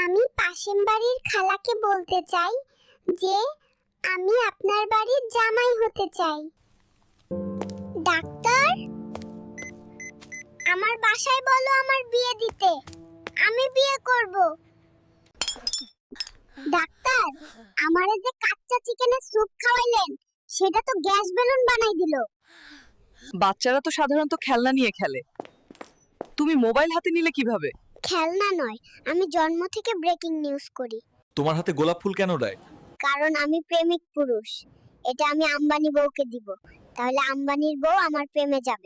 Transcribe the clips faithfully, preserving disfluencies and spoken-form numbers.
আমি পাশের বাড়ির খালাকে বলতে চাই যে আমি আপনার বাড়ির জামাই হতে চাই। ডাক্তার, আমার বাসায় বলো আমার বিয়ে দিতে, আমি বিয়ে করব। ডাক্তার, আমারে যে কাচ্চা চিকেনের স্যুপ খাওয়াইলেন সেটা তো গ্যাস বেলুন বানাই দিল। বাচ্চারা তো সাধারণত খেলনা নিয়ে খেলে, তুমি মোবাইল হাতে নিলে কিভাবে? খেলনা নয়, আমি জন্ম থেকে ব্রেকিং নিউজ করি। তোমার হাতে গোলাপ ফুল কেন দেয়? কারণ আমি প্রেমিক পুরুষ। এটা আমি আম্বানি বউকে দিব, তাহলে আম্বানির বউ আমার প্রেমে যাবে।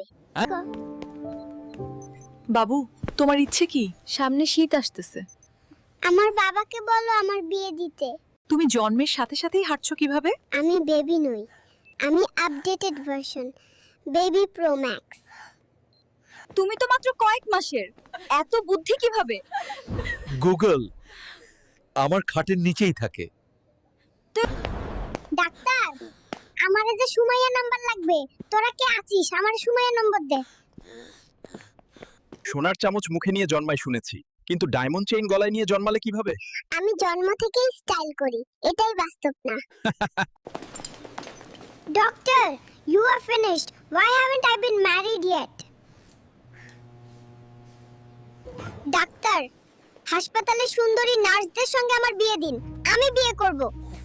বাবু, তোমার ইচ্ছে কি? সামনে শীত আসতেছে, আমার বাবাকে বলো আমার বিয়ে দিতে। তুমি জন্মের সাথে সাথেই হাঁটছো কিভাবে? আমি বেবি নই, আমি updated version, baby pro max. তুমি তো মাত্র কয়েক মাসের, এত বুদ্ধি কিভাবে? গুগল আমার খাটের নিচেই থাকে। ডাক্তার, আমারে যে সুমাইয়া নাম্বার লাগবে, তোরা কে আছিস? আমার সুমাইয়া নম্বর দে। সোনার চামচ মুখে নিয়ে জন্মায় শুনেছি, কিন্তু ডায়মন্ড চেইন গলায় নিয়ে জন্মালে কিভাবে? আমি জন্ম থেকেই স্টাইল করি, এটাই বাস্তব না। Doctor, you are finished. Why haven't I been married yet? ডাক্তার, হাসপাতালে সুন্দরী নার্সদের সঙ্গে আমার বিয়ে দিন, আমি বিয়ে করব।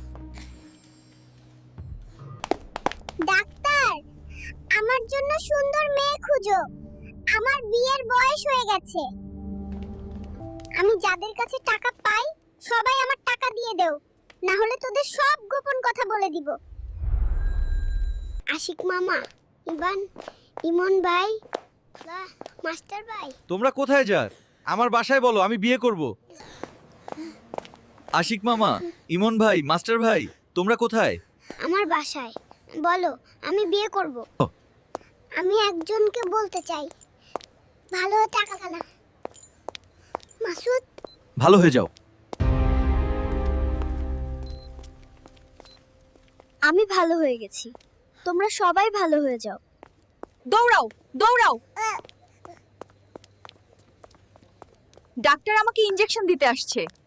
ডাক্তার, আমার জন্য সুন্দর মেয়ে খুঁজো, আমার বিয়ের বয়স হয়ে গেছে। আমি যাদের কাছে টাকা পাই সবাই আমার টাকা দিয়ে দেও, না হলে তোদের সব গোপন কথা বলে দিব। আশিক মামা, ইবান, ইমন ভাই, বাহ, মাস্টার ভাই। তোমরা কোথায় যার? আমার বাসায় বলো, আমি বিয়ে করব। আশিক মামা, ইমন ভাই, মাস্টার ভাই, তোমরা কোথায়? আমার বাসায় বলো, আমি বিয়ে করব। আমি একজনকে বলতে চাই, ভালো টাকা খানা। মাসুদ, ভালো হয়ে যাও। আমি ভালো হয়ে গেছি, তোমরা সবাই ভালো হয়ে যাও। দৌড়াও, দৌড়াও! ডাক্তার আমাকে ইনজেকশন দিতে আসছে।